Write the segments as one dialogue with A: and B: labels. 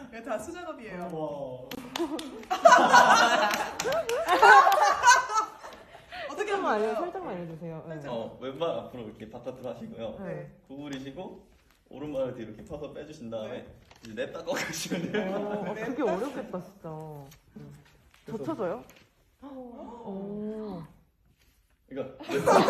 A: 이거 다 수작업이에요. 어떻게 하면 돼요?
B: 살짝만 알려주세요. 네.
C: 왼발 앞으로 이렇게 바깥으로 하시고요.
B: 네.
C: 구부리시고 오른발을 뒤로 이렇게 펴서 빼주신 다음에 이제 냅다 꺾으시면 돼요.
B: 그게 어렵겠다 진짜. 젖혀져요? 오.
C: 그러니까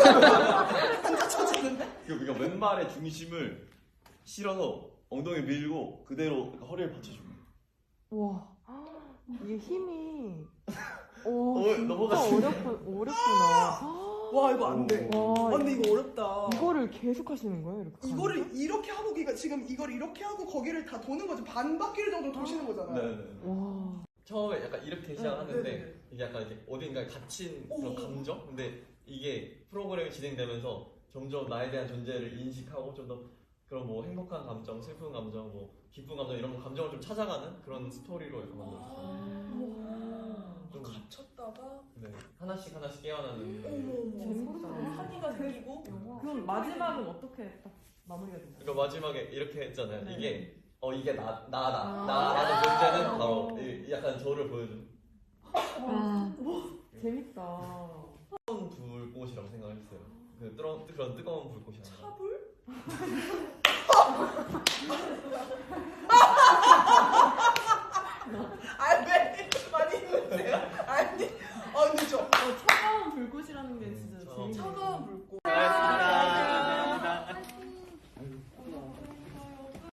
C: 그러니까 왼발의 중심을 실어서 엉덩이 밀고 그대로 허리를 받쳐주면 돼요.
B: 와. 이게 힘이. 진짜
C: 넘어갔어요.
B: 어렵구나.
A: 와 이거 안 돼.
B: 와,
A: 근데 이거 어렵다.
B: 이거를 계속 하시는 거예요? 이렇게?
A: 이거를 이렇게 하고 지금 이걸 이렇게 하고 거기를 다 도는 거죠. 반 바퀴를 정도 도시는 거잖아요.
C: 네네.
B: 와.
D: 처음에 약간 이렇게 시작하는데
A: 네네네.
D: 이게 약간 이렇게 어딘가에 갇힌 그런
A: 오.
D: 감정? 근데 이게 프로그램이 진행되면서 점점 나에 대한 존재를 인식하고 좀 더 그런 뭐 행복한 감정, 슬픈 감정, 뭐 기쁜 감정 이런 감정을 좀 찾아가는 그런 스토리로 이렇게 만들었어요. 좀
A: 갇혔다가
D: 네, 하나씩 깨어나는.
B: 재밌다.
A: 한이가 생기고
E: 그럼 마지막은 어떻게 딱 마무리가 되나요?
D: 그러니까 마지막에 이렇게 했잖아요.
E: 네.
D: 이게 나라는 존재는 바로 약간 저를 보여주는
B: 재밌다.
D: 뜨거운 불꽃이라고 생각을 했어요. 그런 뜨거운 불꽃이 아니라.
A: 차불? 왜 많이 힘드세요? 아니, 근데
E: 차가운 불꽃이라는 게 진짜 재밌네요.
A: 차가운